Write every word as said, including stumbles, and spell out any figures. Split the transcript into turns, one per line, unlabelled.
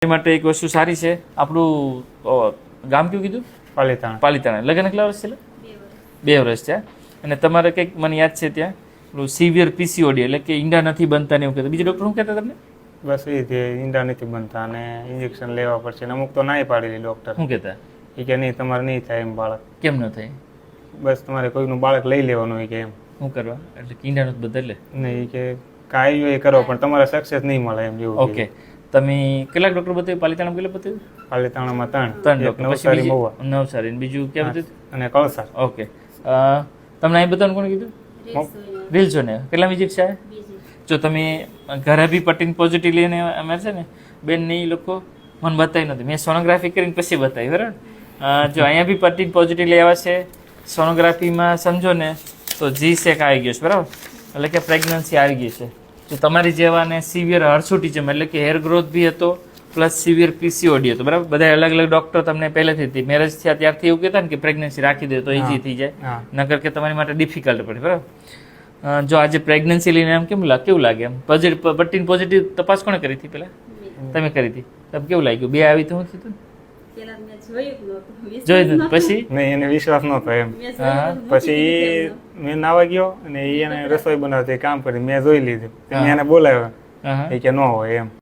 એ માટે એક વસ્તુ સારી છે. આપણું અ, ગામ કયું કીધું?
પાલીતાણા.
પાલીતાણા. લગ્ન કેટલા વર્ષ છે? બે વર્ષ છે. અને તમારે કંઈક મને યાદ છે ત્યાં પેલું સિવિયર પીસીઓડી એટલે કે ઈંડા નથી બનતા ને એવું કહેતા. બીજું ડૉક્ટર શું કહેતા તમને?
બસ એ જે ઈંડા નથી બનતા અને ઇન્જેક્શન લેવા પડશે ને અમુક તો નાય પાડેલી ડૉક્ટર.
શું કહેતા?
એ કે નહીં તમારે નહીં થાય એમ બાળક.
કેમ ન થાય?
બસ તમારે કોઈનું બાળક લઈ લેવાનું હોય કે એમ.
શું કરવા? એટલે કે ઈંડા નથી બદલે.
નહીં કે કાંઈ હોય એ કરો પણ તમારે સક્સેસ નહીં મળે એમ જેવું.
ઓકે. તમે કેટલાક ડૉક્ટર બતાવ્યું? પાલીતાણા કેટલા બતાવ્યું?
પાલીતાણામાં ત્રણ.
ત્રણ
એક
ડૉક્ટર. પછી
નવસારી
બીજી-
મહુવા
નવસારી. બીજું ક્યાં બતાવ્યું?
અને કળસાર.
ઓકે. અ, તમને અહીં બતાવવાનું કોણે કીધું? રીલ જો ને કેટલા વિઝિટ છે? જો તમે ઘરે બી પટીન પોઝિટિવ લઈને અમે છે ને બેન ને એ લોકો મને બતાવી નથી. મેં સોનોગ્રાફી કરીને પછી બતાવી બરાબર. અ, જો અહીંયા બી પટીન પોઝિટિવ લઈ આવ્યા છે. સોનોગ્રાફીમાં સમજો ને તો જી સેક આવી ગયો છે બરાબર. એટલે કે પ્રેગ્નન્સી આવી ગઈ છે. તો તમારી જેવાને સિવિયર હર્સુટિઝમ એટલે કે હેર ગ્રોથ બી હતો પ્લસ સિવિયર પીસીઓડી હતો બરાબર. બધા અલગ અલગ ડૉક્ટર તમને પહેલેથી હતી મેરેજ થયા ત્યારથી એવું કહેતા ને કે પ્રેગ્નન્સી રાખી દે તો ઇઝી થઈ જાય,
હા.
નકર કે તમારી માટે ડિફિકલ્ટ પડે બરાબર. અ, જો આજે પ્રેગ્નન્સી લઈને એમ કેમ લાગે કેવું લાગે એમ પોઝિટિવ પટ્ટીન પોઝિટિવ તપાસ કોણે કરી હતી પહેલા? તમે કરી હતી. તમને કેવું લાગ્યું? બે આવી તો શું થયું? જોઈ નથી પછી?
નહીં એને વિશ્વાસ નહોતો એમ.
હા.
પછી એ મેં નાવા ગયો અને એ એને રસોઈ બનાવતી કામ કરી મેં જોઈ લીધું. મેં એને બોલાવ્યો
હા
એ કે ન હોય એમ.